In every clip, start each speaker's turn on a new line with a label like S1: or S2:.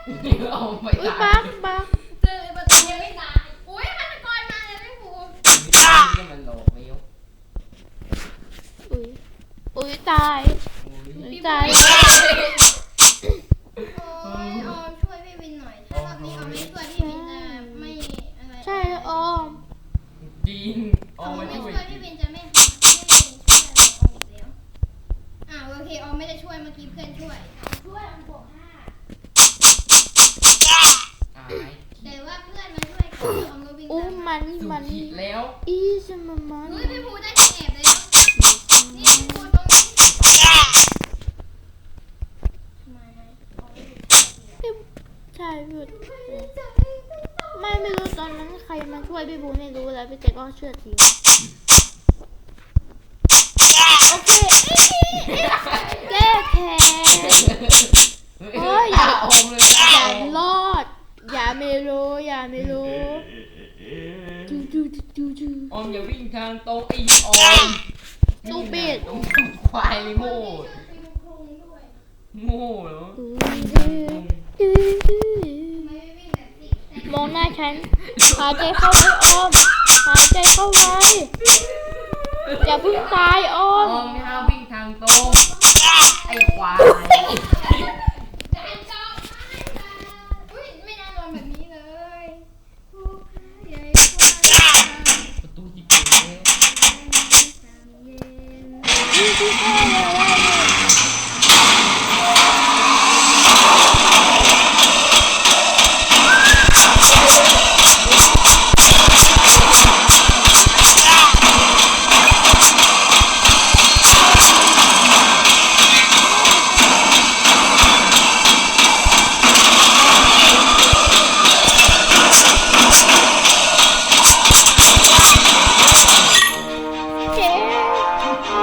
S1: เอาไม่
S2: อุ้ย
S1: ตาย
S2: บัก
S3: เจอประตูยังไม่ตายอุ้ยฆาตกรมาเลยไม่ผูก
S1: นี่มันหลอกไม่ยก
S2: อุ้ยอุ้ยตายอุ้ยตาย
S3: โอ้ยออมช่วยพี่วินหน่อยถ้ารอบนี้ออมไม่ช่วยพี่วินจะไม่อะไร
S2: ใช่แล้วออม
S1: จริง
S3: อ
S1: เอา
S3: อม
S1: มา
S3: ไม่
S1: ช่วย
S3: ช่วยพี่วินจะไม่ช่วยออมอีกแล้วโอเคออมไม่ได้ช่วยเมื่อกี้เพื่อนช่วยช่วยออมบวก5
S1: อาย
S3: แต่ว่าเพื่อนมาช่วยกันออมก็วิ่ง
S2: อู้
S3: ตาม
S2: มัน
S1: สุ
S2: มัน
S1: ขีดแล้ว
S2: อีสมันมัน
S3: เฮ้ยพี่ภูได้ที่แอบเลยนี่พี่ภูตรงนี้ทำไมออมไม่รู้
S2: ใช่พี่
S3: จะ
S2: ไม่รู้ตอนนั้นใครมาช่วยพี่บูไม่รู้แล้วพี่เจ๊ก็เชื่อทีโอเคแก้แค้น โอ้ย
S1: อย่าอมเลย
S2: อย่ารอด อย่าไม่รู้อย่าไม่รู้จูจูจูจู
S1: อมอย่าวิ่งทางตรงไอ้ออม
S2: จูปิด
S1: ตรงควายเลยโง่
S3: ไปดูโครงด้วย
S1: โง่เหรอ
S3: ไม่วิ่งแบบสิ
S2: มองหน้าฉันหายใจเข้าไว้ออมหายใจเข้าไว้อย่าเพิ่งตายออ
S1: อ
S2: ม
S1: อมไม่ห้ามวิ่งทางตรงไอ้ควาย
S3: การจองอุ้ยไม่น่าโดนแบบนี้เลยผู้พ่ายใหญ่กว่า
S1: ประตูที่เปิดแล้ว
S3: สามเย็น
S2: นี่คือแค่เลยเจ๊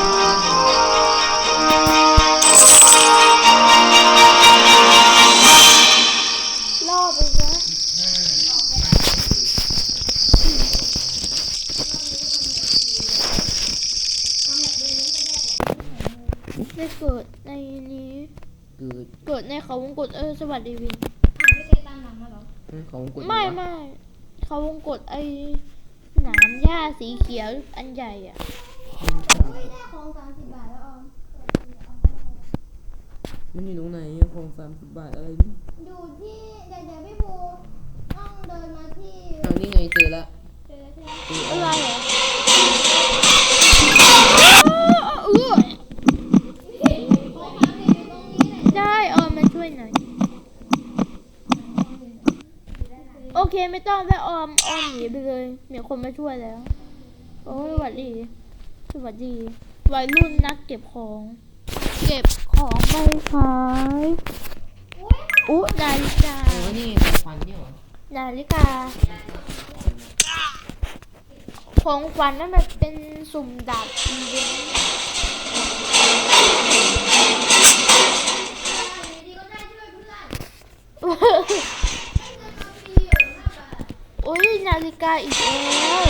S2: ล่อไปนะไม่เกิดในนี้ เกิดในเขาวงกตสวัสดีวิน
S3: ไม่เคยตามหลังมาหรอ
S1: ของกด
S2: ไม่เขาวงกตหนามหญ้าสีเขียวอันใหญ่อ่ะ
S3: ไม่ได้ของ30 บาทแล้วออม
S1: มันอยู่ตรงไหนอะของ30 บาทอะไรนี่
S3: อยู่ที่เดี๋ยวพี่ภูต้องเดินมาที่
S1: เอานี่ไงเจอแล้ว
S3: เจอที่
S2: อะไรเหรอเออ
S3: ของฝากอยู่ตรงนี้แหละ
S2: ได้มาช่วยหน่อย โอเคไม่ต้องแค่ออมหนีไปเลยมีคนมาช่วยแล้ว โอ้ยสวัสดีวัยรุ่นนักเก็บของไปขายอุ๊นาฬิกา
S1: นี่ควันเนี่ยเหรอ
S2: นาฬิกาของขวัญนั่นมันเป็นสุ่มดาบอีเวนต์
S3: ดีก็ได้ช่วยเพื่อนมีอยู่5 บาท
S2: โอ้ยนาฬิกาอีกแล้ว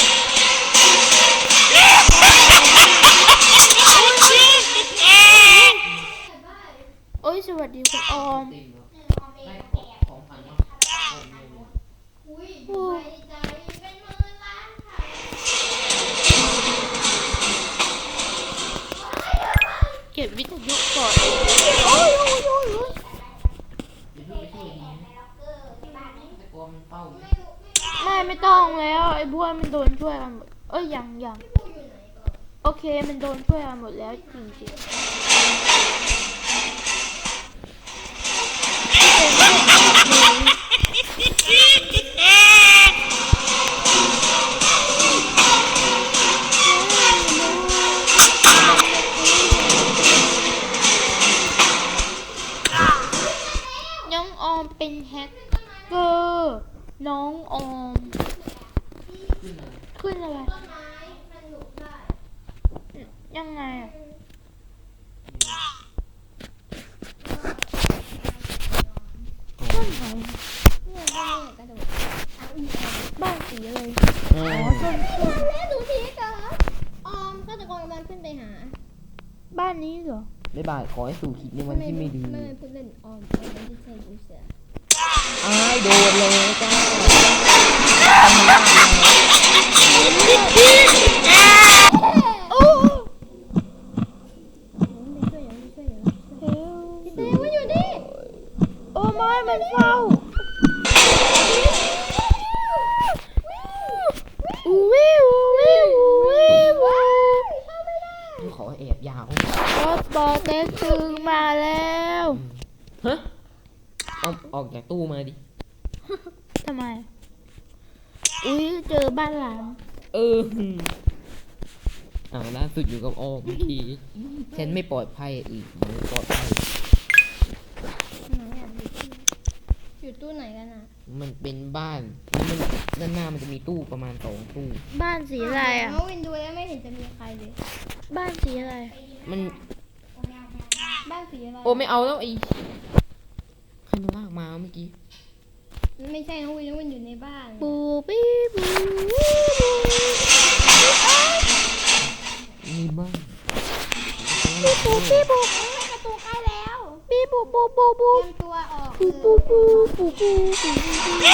S2: โอ้ยสวัสดีคุณออม
S1: ตีเหรอ ได้ของพันเนาะ
S3: อุ้ยใจเป็นหมื่นล้านค่ะ
S2: เก็บวิทยุก่อนโอ้ย
S1: อย่าเพิ่งไปช่วยดีแต่กลัวมันเป้าอยู่
S2: ไม่ต้องแล้วไอ้บัวมันโดนช่วยกันหมดยังโอเคมันโดนช่วยกันหมดแล้วจริงๆน้องออมเป็นแฮกเกอร์น้องออม
S1: ขึ้นเลย
S2: ขึ้นอะไร
S3: ต้นไม้มันหลุดได้
S2: ยังไงอ่ะต้นไหน
S3: เนี่ยกระโดด
S2: บ้านสีอะไร
S1: อ๋อ
S2: ต้น
S3: แล้วดูทีกันออมฆาตกรกำลังขึ้นไปหา
S2: บ้านนี้เหรอ
S1: บ๊ายบายขอให้สู่ขีดในวันที่ไม่ดี
S3: ไม่พูดเล่นออมไม่ใช่ยูเสือ
S4: อ้ายโดนเลยจ้า
S2: โอ้
S3: เต้ว่าอยู่นี่
S2: โอ้ไม่มันเฝ้าวิววิววิว
S4: ขอแอบยาว
S2: รถบอเต็กตึงมาแล้ว
S4: ฮะเอาออกจากตู้มาดิ
S2: ทำไม อุ้ยเจอบ้านหลัง
S4: เออล่าสุดอยู่กับออมเมื่อกี้ฉันไม่ปลอดภัยอีกไม่ปลอดภัย
S3: ไหนอ่ะอยู่ตู้ไหนกันอ่ะ
S4: มันเป็นบ้านแล้วมันด้านหน้ามันจะมีตู้ประมาณ2 ตู้
S2: บ้านสีอะไรอ่ะ
S3: น้องวินดูแล้วไม่เห็นจะมีใครเลย
S2: บ้านสีอะไร
S4: มัน
S3: บ้านสีอะไร
S4: โอ้ไม่เอาแล้วไอ้ใครมาลากมาเมื่อกี้
S3: ไม่ใช่น้องวินอยู่ในบ้าน
S2: บูบี้บู
S4: มีบ้าน
S2: บูบี้บู
S3: ประตูใกล้แล้ว
S2: บีบูบูบูบู
S3: เตรียมตัวออก
S2: บูบูบูบูบู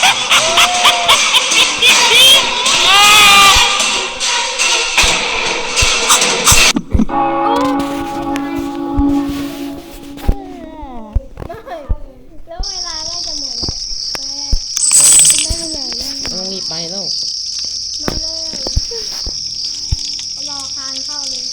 S3: แล้วเวลาใกล้จะหมดแล้วไม่เป็นไรแล้ว
S4: ต้องรีบไปแล้ว
S3: มาเลยรอคานเข้าเลย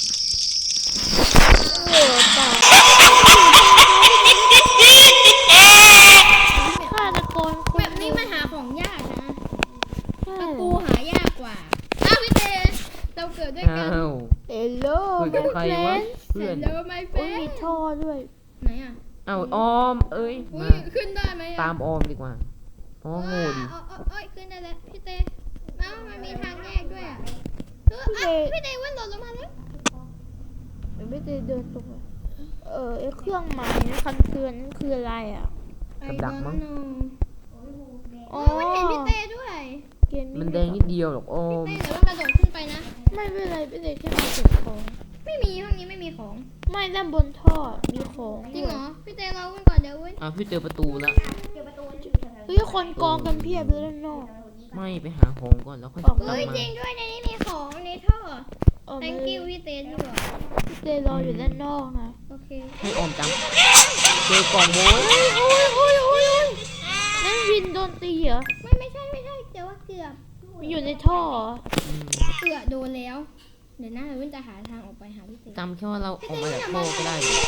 S2: ฆาตกรค
S3: แบ
S2: น
S3: บนี้มันหาของยากนะ
S2: ใช่
S3: ตะปูหายากกว่าอ้าวพี่เตเราเกิดด้วย
S4: อ้า
S3: กัน
S4: ว
S2: เอลโล
S4: คุยกับใครวะเพื่อน
S3: เดี๋ยวไม่เฟ
S2: โอ้ยมีท่อด้วย
S3: ไหนอ่ะ
S4: อ้าวออมเอ้ย
S3: อุ้
S4: มาย
S3: ขึ้นได้ไหมอะ
S4: ตามออมดีกว่าอ๋อโง่ดิ
S3: เอ้ยขึ้นได้แล้วพี่เตมันมีทางแยกด้วยอ่ะพี่เตวันหล่นลงมาแล้ว
S2: ไม่ได้เดินตรงเลยไอ้เครื่องหมายคำเตือนนั่นคืออะไรอ่ะ
S4: กับดักมั้ง
S2: อ๋อ
S3: มันเห็นพี่เตด้วย
S2: เกม
S4: มันแดงนิดเดียวหรอกออม
S3: เตเดี๋ยวเรากระโดดขึ้นไปนะ
S2: ไม่เป็นไรไม่ได้แค่มาเก็บของ
S3: ไม่มีห้องนี้ไม่มีของ
S2: ไม่ด้านบนท่อมีของ
S3: จริง
S2: ด้วย
S3: เหรอพี่เตเราวิ่งก่อนเดี๋ยววิ่ง
S4: อ้าวพี่เจอประตูแล้ว
S2: เฮ้ยคนกองกันเพียบเลยด้านนอก
S4: ไม่ไปหาของก่อนแล้วค่อยกลับ
S3: เฮ้ย
S4: มา
S3: จริงด้วยในนี้มีของในท่อ
S2: ออกมา
S3: thank you พี่เตที่บอก
S2: พี่เตรออยู่ด้านนอกนะ
S3: โอเค
S4: ให้ออมจำเจอกล่องโบย
S2: โอ้ยนั่นวินโดนตีเหรอ
S3: ไม่ใช่แต่ว่าเกือบ
S2: มันอยู่ในท่อเหรอ
S4: อืม
S3: เกือบโดนแล้ว เดี๋ยวนะเราจะหาทางออกไปหาพี่เต
S4: จำแค่ว่าเราออกมาจากโลกก็ได้อยู่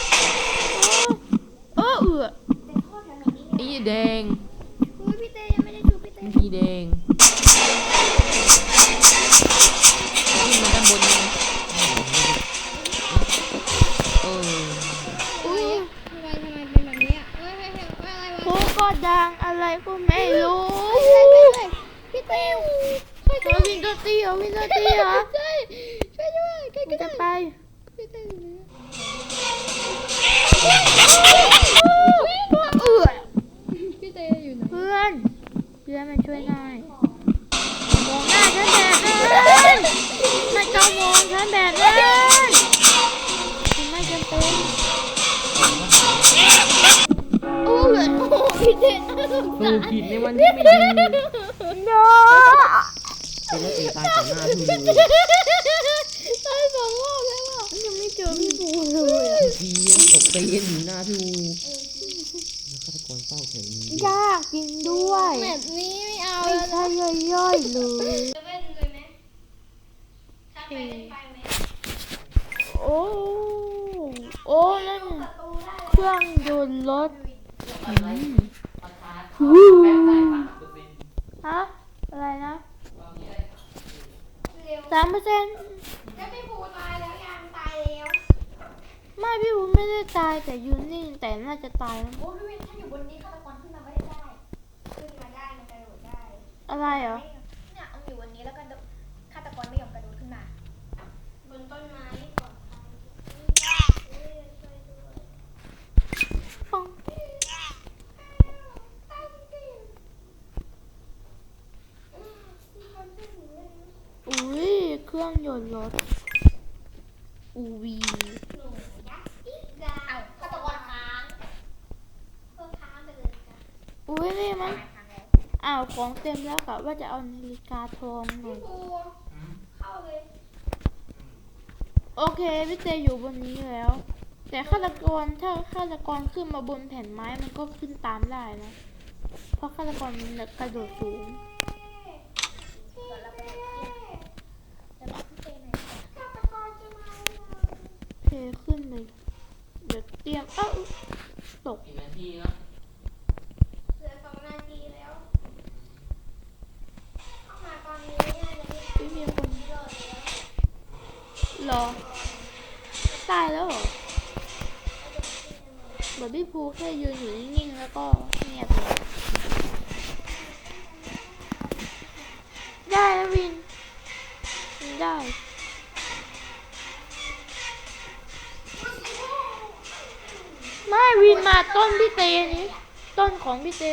S2: เอือ
S4: ไอ้แดง
S3: อุ้ยพี่เตยังไม่ได้ชูพี่เต
S4: มันสีแดงขึ้นมาด้านบนเลยเออ
S2: อุ้ย
S3: ทำไมเป็นแบบนี้อ่ะเฮ้ยอะไรวะ
S2: โคก็ดังอะไรก็ไม่รู้
S3: พี่เต
S2: วินโดนตีเหรอวินโดนตีเหรอ
S3: ช่วยด้วยใครก็
S2: จะ
S3: ได้
S2: ไป
S3: พี่เต
S2: เอือ
S3: พี่เตอยู่ไหน
S2: เพื่อนมาช่วยหน่อยมองหน้าฉันแบบนั้นไม่ต้องมองฉันแบบนั้นฉันไม่จำเป็นโอ้ย
S3: พี่เต
S4: เออผิดในวันที่ไม่ดี
S2: โน
S4: เป็นแล้วตีตายต่อหน้าพี่เลย
S3: ตายสองรอบแล้วอ่ะ
S2: ยังไม่เจอพี่บูเลยอะ
S4: ทีตกตีกันอยู่หน้าพี่อูแล้วฆาตกรเฝ้าแถวนี้
S2: ยากจริงด้วย
S3: แบบนี้ไม่เอา
S2: ไม่
S3: แล้ว
S2: ใช่ย่อยๆเลย
S3: จะเล่นเลยไหมถ้าไปเล่นไปไหม
S2: โอ้นั่นเครื่องยนต์รถฮะอะไรนะ3%
S3: แล้วพี่ภูตายแล้วยังตายแล้ว
S2: ไม่พี่บูไม่ได้ตายแต่อยูนิ่งแต่น่าจะตายแล้ว
S3: โอ้พี่วินถ้าอยู่บนนี้ฆาตกรขึ้นมาไม่ได้ขึ้นมาได้มันกระโดดได้
S2: อะไรเหรอ
S3: เนี่ยเอาอยู่บนนี้แล้วก็ฆาตกรไม่ยอมกระโดดขึ้นมา บนต้นไม้ก่อน
S2: ฟังอุ้ยเครื่องยนต์รถอูวี
S3: เอาฆาตกรค้างค้างไปเลยจ้ะ
S2: ออุ้ยนี่มันอ้าวของเต็มแล้วกะว่าจะเอานาฬิกาทองหน่อย
S3: ครูเข้าเลย
S2: โอเคพี่เตอยู่บนนี้แล้ว แต่ฆาตกรถ้าฆาตกรขึ้นมาบนแผ่นไม้มันก็ขึ้นตามได้นะ เพราะฆาตกรมันกระโดดสูง
S3: ฆาตกรจะมา
S2: เพขึ้นเลยเดี๋ยวเตรียมตก
S1: กี่นาทีแล้ว
S3: เหลือ2 นาทีแล้ว เข้ามาตอนนี้น่าจะไม่
S2: ไม่มีคน
S3: รอดแล้ว
S2: รอตายแล้วเหรอแบบพี่ภูแค่ยืนอยู่นิ่งๆแล้วก็เงียบเลยได้แล้ววินได้ ไม่วินมาต้นพี่เตนี้ต้นของพี่เต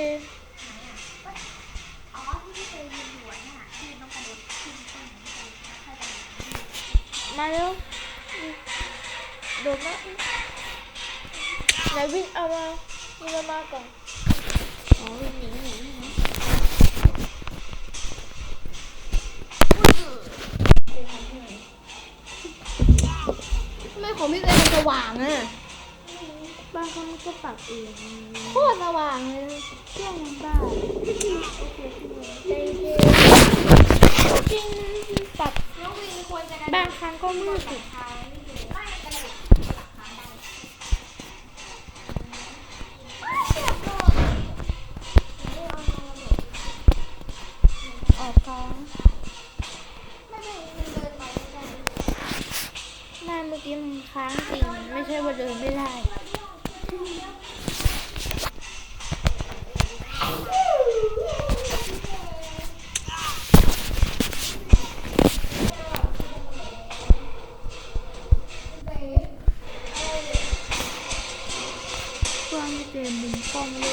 S3: อ๋อที่พี่เตยยืนอยู่น่ะที่น้องกระโดดขึ้นต้นของพี่เตยแล้วค่อยไป
S2: มาเร็วโดดมาไหนวินเอามาวินเอามาก่อนอ๋อวินหนี
S3: ทำไมของพี่เตยมันสว่างอ่ะ
S2: บางครั้งมันก็ปรับเอง
S3: โคตรสว่างเลย
S2: เครื่องมันบ้าจริงปรับ
S3: น้องวินควรจะ
S2: บางครั้งก็มืดอีก
S3: ทางไม่ถึงไม่กระโดดหลักทางได้
S2: ออกค้าง
S3: ไม่ได้มันเดินไปไม่ได้
S2: ไม่เมื่อกี้มันค้างจริงไม่ใช่ว่าเดินไม่ได้ กว้างเต็มมุมกล้องโล